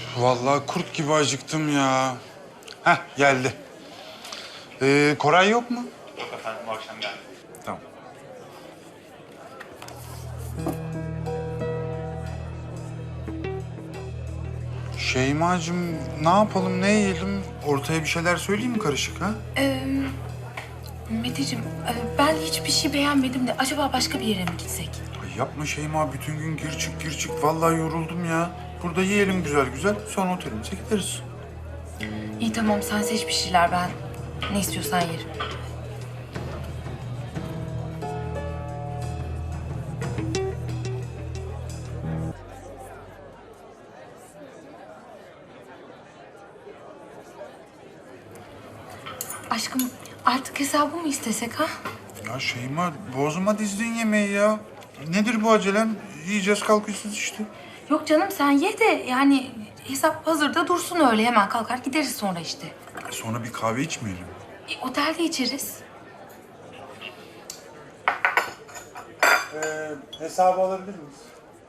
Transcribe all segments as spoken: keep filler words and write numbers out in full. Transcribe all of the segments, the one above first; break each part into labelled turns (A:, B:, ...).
A: Vallahi kurt gibi acıktım ya. Heh, geldi. Ee, Koray yok mu?
B: Yok efendim, bu akşam geldi.
A: Tamam. Şeymacığım, ne yapalım, ne yiyelim? Ortaya bir şeyler söyleyeyim mi karışık ha?
C: Ee, Meteciğim, e, ben hiçbir şey beğenmedim de acaba başka bir yere mi gitsek?
A: Ay yapma Şeyma, bütün gün gir çık gir çık. Vallahi yoruldum ya. Burada yiyelim güzel güzel, sonra otelimize gideriz.
C: İyi tamam, sen seç bir şeyler, ben ne istiyorsan yerim. Aşkım, artık hesabı mı istesek ha?
A: Ya Şeyma, bozma dizdiğin yemeği ya. Nedir bu acelem? Yiyeceğiz, kalkıyorsunuz işte.
C: Yok canım, sen ye de yani hesap hazırda dursun, öyle hemen kalkar gideriz sonra işte.
A: Sonra bir kahve içmeyelim.
C: E, otelde içeriz.
A: Ee, hesabı alabilir miyiz?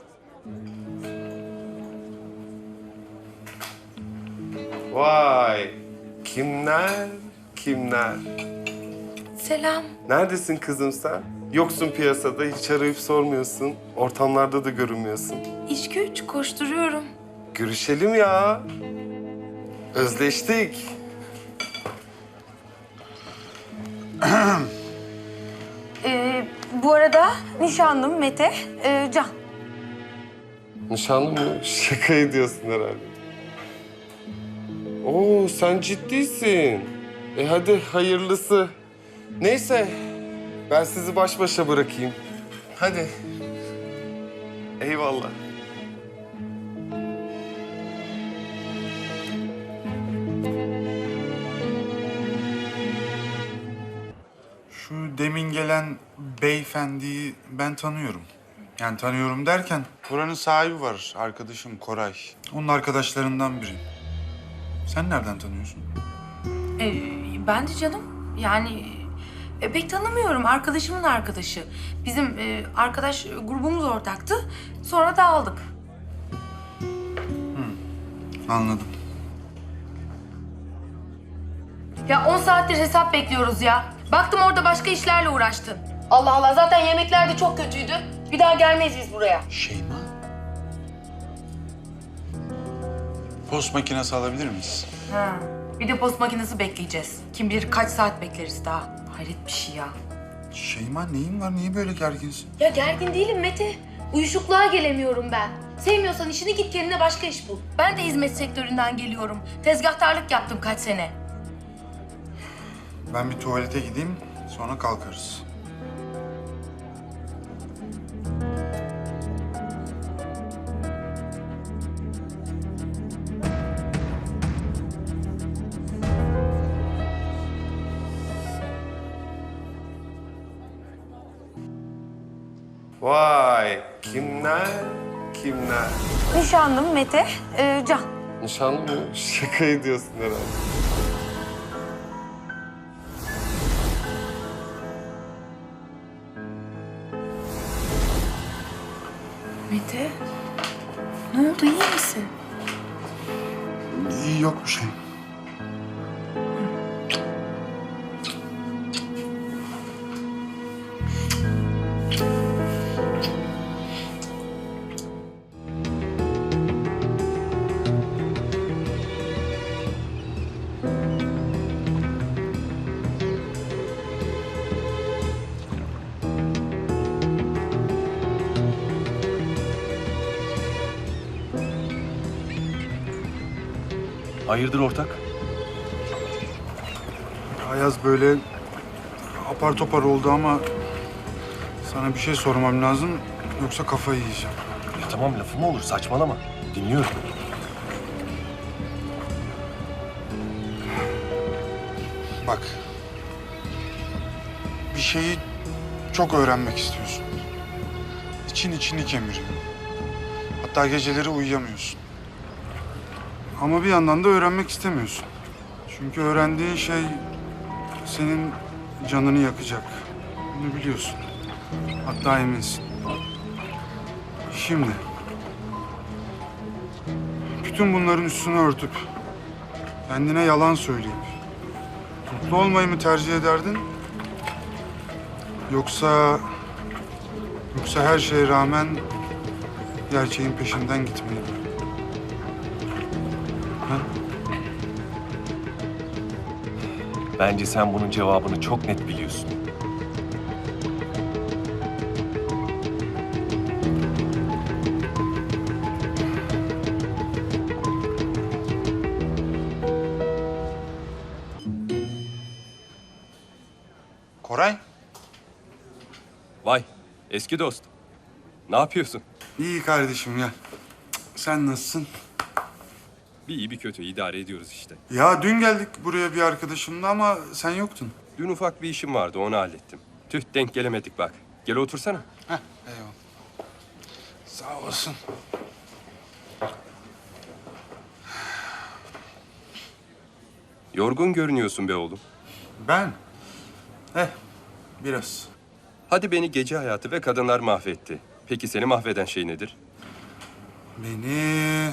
D: Vay! Kimler, kimler?
C: Selam.
D: Neredesin kızım sen? Yoksun piyasada, hiç arayıp sormuyorsun. Ortamlarda da görünmüyorsun.
C: İş güç, koşturuyorum.
D: Görüşelim ya. Özleştik.
C: Ee, bu arada nişanlım Mete, e, Can.
D: Nişanlı mı? Şaka ediyorsun herhalde. Oo, sen ciddisin. E hadi hayırlısı. Neyse, ben sizi baş başa bırakayım. Hadi. Eyvallah.
A: Şu demin gelen beyefendiyi ben tanıyorum. Yani tanıyorum derken buranın sahibi var, arkadaşım Koray. Onun arkadaşlarından biri. Sen nereden tanıyorsun?
C: Ee, ben de canım, yani e, pek tanımıyorum, arkadaşımın arkadaşı. Bizim e, arkadaş grubumuz ortaktı, sonra dağıldık.
A: Anladım.
C: Ya on saattir hesap bekliyoruz ya. Baktım orada başka işlerle uğraştın. Allah Allah, zaten yemekler de çok kötüydü. Bir daha gelmeyiz biz buraya.
A: Şeyma. Post makinesi alabilir miyiz?
C: Ha, bir de post makinesi bekleyeceğiz. Kim bilir kaç saat bekleriz daha. Hayret bir şey ya.
A: Şeyma, neyin var? Niye böyle gerginsin?
C: Ya gergin değilim Mete. Uyuşukluğa gelemiyorum ben. Sevmiyorsan işini git, kendine başka iş bul. Ben de hizmet sektöründen geliyorum. Tezgahtarlık yaptım kaç sene.
A: Ben bir tuvalete gideyim, sonra kalkarız.
D: Vay! Kimler, kimler?
C: Nişanlım Mete, e, Can.
D: Nişanlı mı? Şaka ediyorsun herhalde.
C: Mete, ne oldu, iyi misin?
A: İyi, yok bir şey.
E: Hayırdır ortak?
A: Ayaz böyle apar topar oldu ama sana bir şey sormam lazım, yoksa kafayı yiyeceğim.
E: Ya tamam, lafı mı olur, saçmalama. Dinliyorum.
A: Bak, bir şeyi çok öğrenmek istiyorsun. İçin içini kemiriyor. Hatta geceleri uyuyamıyorsun. Ama bir yandan da öğrenmek istemiyorsun. Çünkü öğrendiğin şey senin canını yakacak. Bunu biliyorsun. Hatta eminsin. Şimdi bütün bunların üstünü örtüp, kendine yalan söyleyip, mutlu olmayı mı tercih ederdin? Yoksa, yoksa her şeye rağmen gerçeğin peşinden gitmeyi mi? Ha?
E: Bence sen bunun cevabını çok net biliyorsun.
A: Koray,
E: Vay, eski dost. Ne yapıyorsun?
A: iyi kardeşim ya. Sen nasılsın?
E: Bir iyi bir kötü idare ediyoruz işte.
A: Ya dün geldik buraya bir arkadaşımla ama sen yoktun.
E: Dün ufak bir işim vardı, onu hallettim. Tüh, denk gelemedik bak. Gel otursana.
A: Heh, eyvallah. Sağ olasın.
E: Yorgun görünüyorsun be oğlum.
A: Ben? Eh, biraz.
E: Hadi beni gece hayatı ve kadınlar mahvetti. Peki seni mahveden şey nedir?
A: Beni...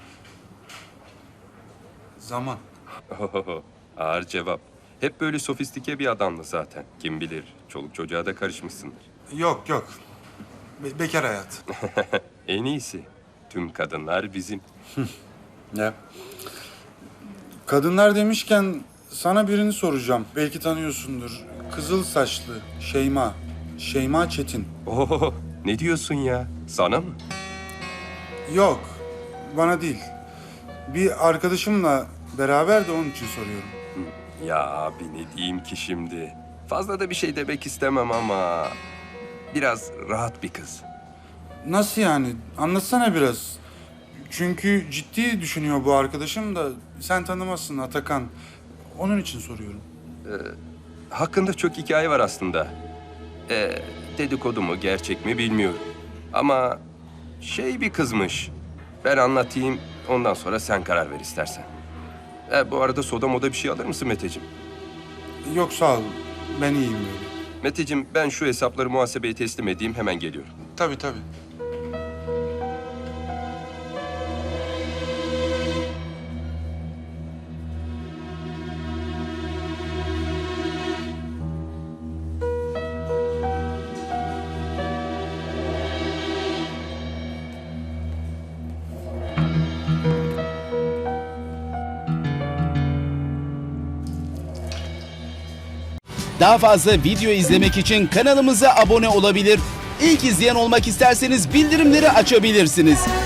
A: Zaman.
E: Ohoho, ağır cevap. Hep böyle sofistike bir adamdı zaten. Kim bilir, çoluk çocuğa da karışmışsındır.
A: Yok yok. Be- bekar hayat.
E: En iyisi. Tüm kadınlar bizim.
A: Ya. Kadınlar demişken sana birini soracağım. Belki tanıyorsundur. Kızıl saçlı Şeyma. Şeyma Çetin.
E: Oho, ne diyorsun ya? Sana mı?
A: Yok, bana değil. Bir arkadaşımla beraber de onun için soruyorum.
E: Ya abi ne diyeyim ki şimdi? Fazla da bir şey demek istemem ama... Biraz rahat bir kız.
A: Nasıl yani? Anlatsana biraz. Çünkü ciddi düşünüyor bu arkadaşım da sen tanımazsın Atakan. Onun için soruyorum.
E: Hakkında çok hikaye var aslında. Ee, dedikodu mu, gerçek mi bilmiyorum. Ama şey bir kızmış. Ben anlatayım, ondan sonra sen karar ver istersen. Ee, bu arada soda moda bir şey alır mısın Meteciğim?
A: Yok sağ ol. Ben iyiyim böyle.
E: Meteciğim ben şu hesapları muhasebeye teslim edeyim, hemen geliyorum.
A: Tabii tabii.
B: Daha fazla video izlemek için kanalımıza abone olabilir. İlk izleyen olmak isterseniz bildirimleri açabilirsiniz.